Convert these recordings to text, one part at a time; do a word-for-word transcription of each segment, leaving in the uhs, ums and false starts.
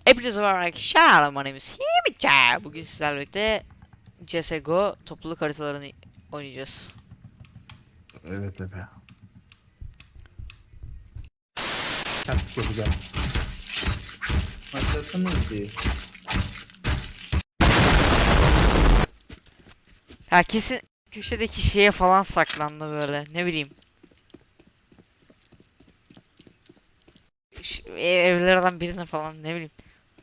Hepinize merhaba arkadaşlar. My name is Himica. Bugün sizlerle birlikte C S G O topluluk haritalarını oynayacağız. Evet Efe. Taktik yapacağım. Başlatınız diye. Ya kesin köşedeki şeye falan saklandı böyle. Ne bileyim. Şu ev- evlerden birine falan ne bileyim.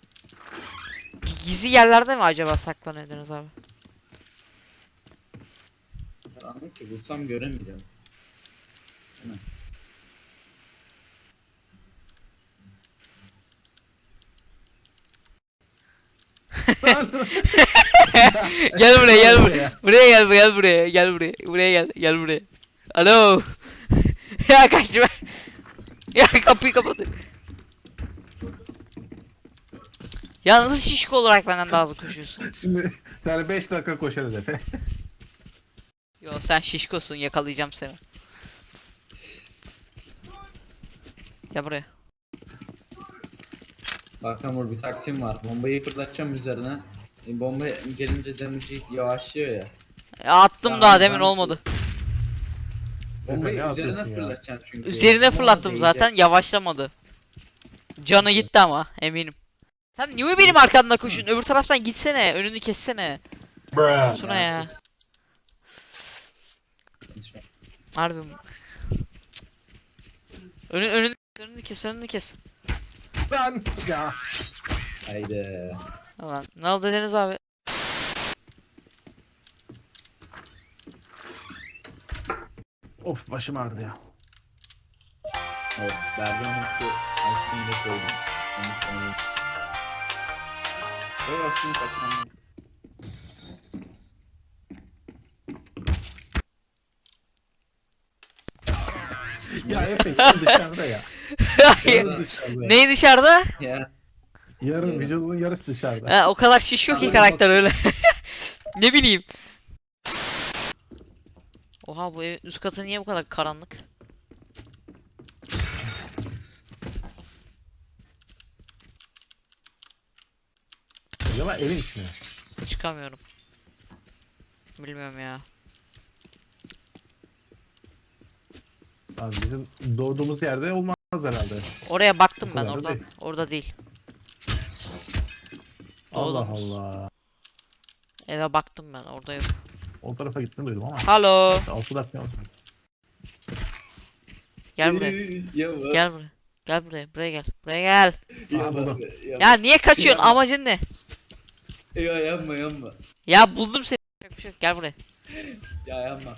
Gizli yerlerde mi acaba saklanıyordunuz abi? Karanlık ki bulsam göremeyeceğim. Değil mi? Gel buraya gel buraya. Buraya gel gel buraya gel buraya. Buraya gel gel buraya. Alo. Ya kaçma. Ya kapıyı kapatın. Ya nasıl şişko olarak benden daha hızlı koşuyorsun? Şimdi yani beş dakika koşarız Efe. Yo sen şişkosun, yakalayacağım seni. Gel buraya. Bak Hamur, bir taktiğim var. Bombayı fırlatacağım üzerine. E, bomba gelince damage'i yavaşlıyor ya. Ya attım Ya daha abi demin ben- olmadı. Bombayı Ne üzerine yapıyorsun ya? fırlatacaksın çünkü. Üzerine Ama fırlattım değecek. zaten, yavaşlamadı. Canı gitti ama eminim. Sen niye benim arkamdan koşuyorsun? Öbür taraftan gitsene, önünü kessene. Suna ya. sus. Lütfen. Harbi mi? Önü, önünü, önünü kes, önünü kes. Ben ya. Haydi. Tamam. Ne oldu Deniz abi? Of başım ağrıdı ya. Evet. Bergamot'u aslında koydum. Onu sonra. Böyle aslında kaçmam. Ya Efe yarın dışarıda ya. Hayır. Yarın dışarıda. Neyi dışarıda? Ya. Yarın Yarın. vücudunun yarısı dışarıda. Ha, o kadar şişiyor ki karakter öyle. Ne bileyim. Oha, bu evin üst katı niye bu kadar karanlık? Acaba evin içine. Çıkamıyorum. Bilmiyorum ya. Abi bizim doğduğumuz yerde olmaz herhalde. Oraya baktım O ben, kadar da orada. değil. Orada değil. Allah Doğdunuz. Allah. Eve baktım ben, orada yok. O tarafa gittim duydum ama. Halo. altı dakika olsun. Gel buraya. Yama. Gel buraya. Gel buraya. Buraya gel. Buraya gel. Yama. buldum. Yama. Ya niye kaçıyorsun? Yapma. Amacın ne? Ya yapma yapma. Ya buldum seni. Yapacak bir şey yok. Gel buraya. Ya yapma.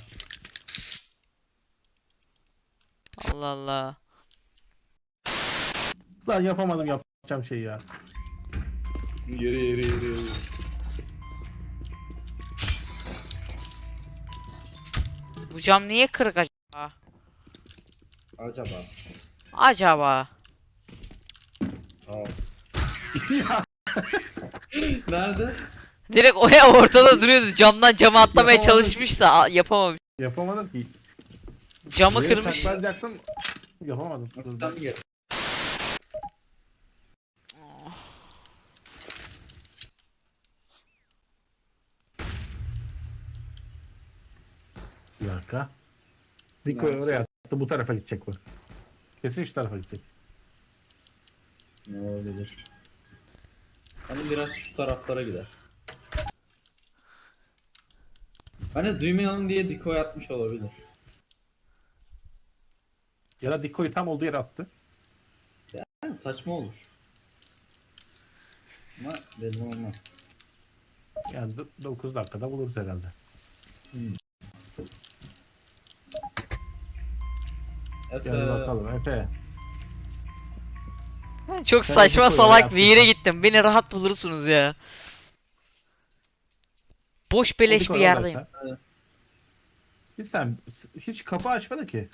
Allah Allah. Lan yapamadım yapacağım şeyi ya. Yürü yürü yürü yürü. Bu cam niye kırık acaba? Acaba. Acaba. Aa. Ya, Nerede? Direkt o ya ortada duruyordu. Camdan cama atlamaya Yapamadım. çalışmış da a- yapamamış. yapamadım ki. Camı Buraya kırmış. saklanacaktım. Yapamadım. Sen mi gel? Bir dakika. Diko'yu Neresi? oraya attı. Bu tarafa gidecek bu. Kesin şu tarafa gidecek. Ne olabilir? Hani biraz şu taraflara gider. Hani duymayalım diye decoy atmış olabilir. Ya da Diko'yu tam olduğu yere attı. Yani saçma olur. Ama belli olmaz. Yani dokuz dakikada buluruz herhalde. Efe. Gel bakalım Efe. Ben çok Sen saçma Diko'yu salak oraya bir yere attın. gittim. Beni rahat bulursunuz ya. Boş beleş Diko bir oradaysa. yerdeyim. Bir sen hiç kapı açmadı ki.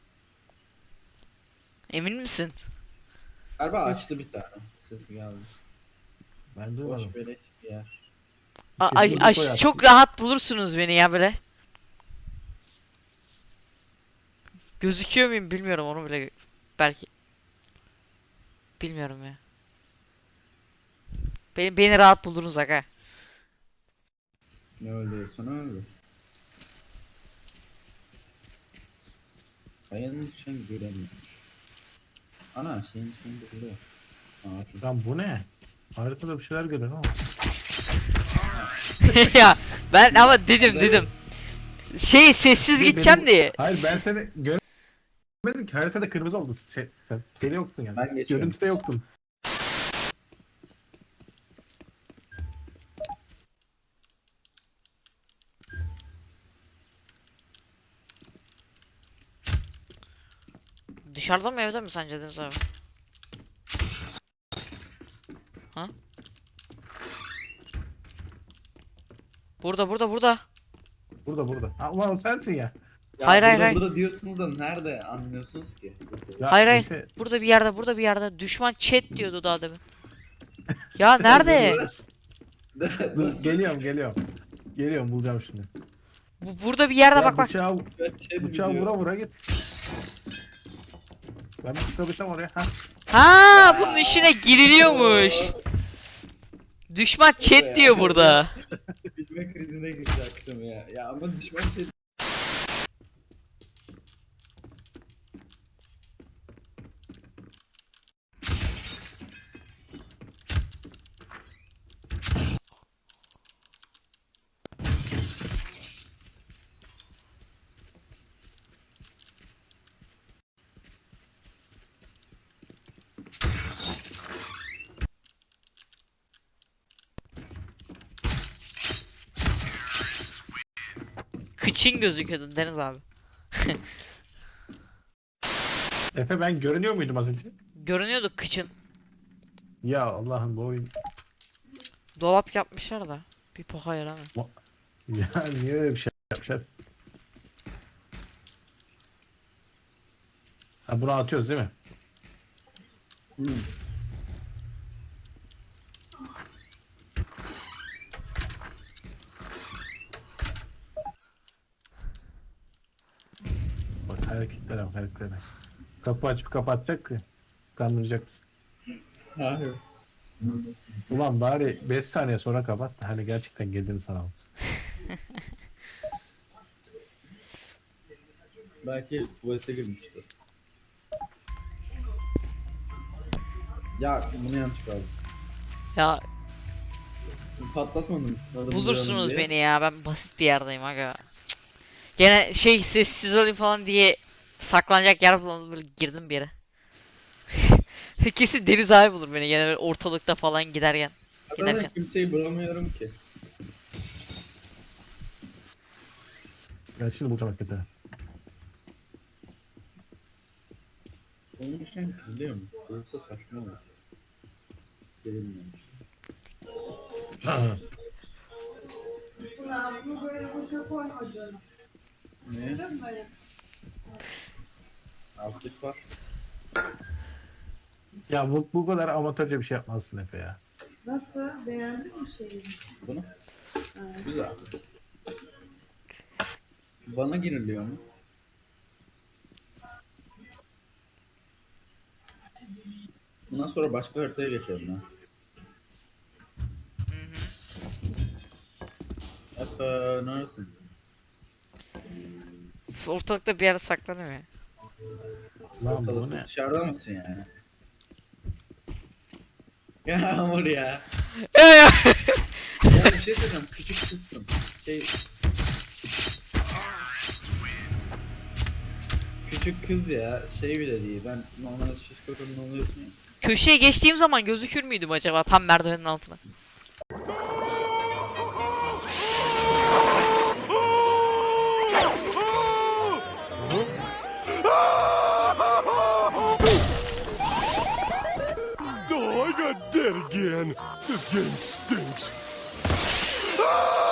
Emin misin? Galiba açtı bir tane. Sesi geldi. Ben duymadım. Boş beleş bir yer. A- Kesin ay- Diko ay- yaptı. çok rahat bulursunuz beni ya böyle. Gözüküyor muyum bilmiyorum, onu bile belki. Bilmiyorum ya. Beni, beni rahat buldunuz aga. Ne öldürürsen öldür. Kayanın için göremiyor. Ana şeyin içinde buluyor. Aa, Lan bu ne? Haritada bir şeyler görüyorum ama. Ya ben ama dedim dedim. Şey sessiz Benim- gideceğim diye. Hayır ben seni göremedim ki, haritada kırmızı oldu. Şey, sen seni yoktun yani. Ben geçiyorum. Görüntüde yoktun. Dışarıda mı evde mi sence Deniz abi? Ha? Burada burada burada. Burada burada. Ha, ulan o sensin ya. Ya Hayır, hayır, burada, hayır. burada diyorsunuz da nerede anlıyorsunuz ki? Ya, Hayır bir hayır. şey- Burada bir yerde burada bir yerde. Düşman chat diyordu daha demin. Ya nerede? Dur, geliyorum geliyorum. Geliyorum, bulacağım şimdi. Bu burada bir yerde Ya bak bak. bıçağı, Şey bıçağı vura vura git. Ben bir çıkabilsem oraya. Ha. Ha bunun işine giriliyormuş. Düşman chat diyor burada. Bilme krizine girecektim ya. Ya ama düşman şey... Kıçın gözüküyordu Deniz abi. Efe, ben görünüyor muydum az önce? Görünüyordu kıçın. Ya Allah'ım, bu oyun. Dolap yapmışlar da. Bir poha yaramıyor. Ya niye öyle bir şey yapmışlar? Ha, bunu atıyoruz değil mi? Hmm. Bak hareketlere bak, hareketlere. Kapı açıp kapatacak ki. Kandıracak mısın? Hayır. Ulan bari beş saniye sonra kapat da hani gerçekten geldiğini sanalım. Belki tuvalete girmiştir. Ya bunu yanlış kaldı. Ya Patlatmadım. Adım bulursunuz diye. beni ya. Ben basit bir yerdeyim aga. Cık. Gene şey sessiz olayım falan diye saklanacak yer bulamadım, böyle girdim bir yere. Kesin Deniz abi bulur beni gene böyle ortalıkta falan giderken. Zaten Giderken. kimseyi bulamıyorum ki. Ben şimdi bulacağım herkese. Onun için biliyor musun? Yoksa saçma olur. Gelinmiyormuş. Ulan bunu böyle boşa koyma canım. Ne? Değil mi böyle? Altlık var. Ya bu, bu kadar amatörce bir şey yapmazsın Efe ya. Nasıl? Beğendin mi şeyi? Bunu? Ha. Güzel. Bana giriliyor mu? Bundan sonra başka haritaya geçelim ha. Hı hı. Efe neredesin? Ortalıkta bir yerde saklanıyor ya. Lan bu Ortalıkta ne? dışarıda mısın yani? Ya Yağmur ya. Ya bir şey söyleyeceğim. Küçük kızsın. Şey... Küçük kız ya. Şey bile değil. Ben normalde şişko kadın oluyorsun ya. Köşeye geçtiğim zaman gözükür müydüm acaba tam merdivenin altına? Oh, I got dead again. This game stinks. Ah!